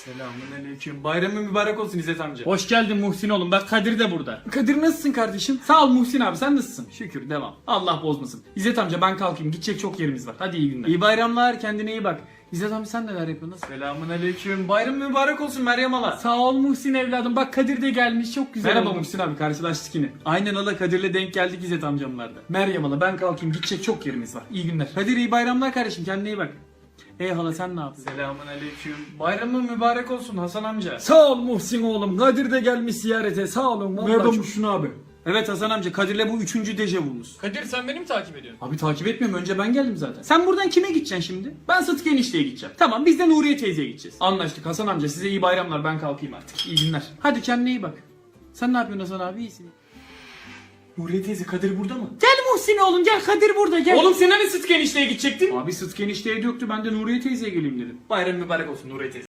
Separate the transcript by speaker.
Speaker 1: Selamünaleyküm. Bayramın mübarek olsun İzzet amca.
Speaker 2: Hoş geldin Muhsin oğlum. Bak Kadir de burada.
Speaker 1: Kadir nasılsın kardeşim?
Speaker 2: Sağ ol Muhsin abi, sen nasılsın? Şükür, devam. Allah bozmasın. İzzet amca ben kalkayım. Gidecek çok yerimiz var. Hadi iyi günler.
Speaker 1: İyi bayramlar, kendine iyi bak. İzzet amca sen neler yapıyorsun? Selamünaleyküm. Bayram mübarek olsun Meryem hala.
Speaker 2: Sağ ol Muhsin evladım. Bak Kadir de gelmiş. Çok güzel.
Speaker 1: Merhaba
Speaker 2: oldu.
Speaker 1: Muhsin abi, karşılaştık yine. Aynen hala, Kadir'le denk geldik İzzet amcamlarda. Meryem hala ben kalkayım, gidecek çok yerimiz var. İyi günler. Kadir iyi bayramlar kardeşim, kendine iyi bak.
Speaker 2: Hala sen ne yaptın?
Speaker 1: Selamünaleyküm. Bayramın mübarek olsun Hasan amca.
Speaker 2: Sağ ol Muhsin oğlum. Kadir de gelmiş ziyarete. Sağ olun. Vallahi çok-
Speaker 1: abi? Evet Hasan amca, Kadir'le bu 3. dejavumuz.
Speaker 2: Kadir sen beni mi takip ediyorsun?
Speaker 1: Abi takip etmiyorum, önce ben geldim zaten. Sen buradan kime gideceksin şimdi? Ben Sıtkı enişteye gideceğim. Tamam, biz de Nuriye teyzeye gideceğiz. Anlaştık Hasan amca, size iyi bayramlar, ben kalkayım artık. İyi günler. Hadi kendine iyi bak. Sen ne yapıyorsun Hasan abi, iyisin? Nuriye teyze, Kadir burada mı?
Speaker 2: Gel Muhsin oğlum gel, Kadir burada gel.
Speaker 1: Oğlum sen hani Sıtkı enişteye gidecektin? Abi Sıtkı enişteye döktü, ben de Nuriye teyzeye geleyim dedim. Bayram mübarek olsun Nuriye teyze.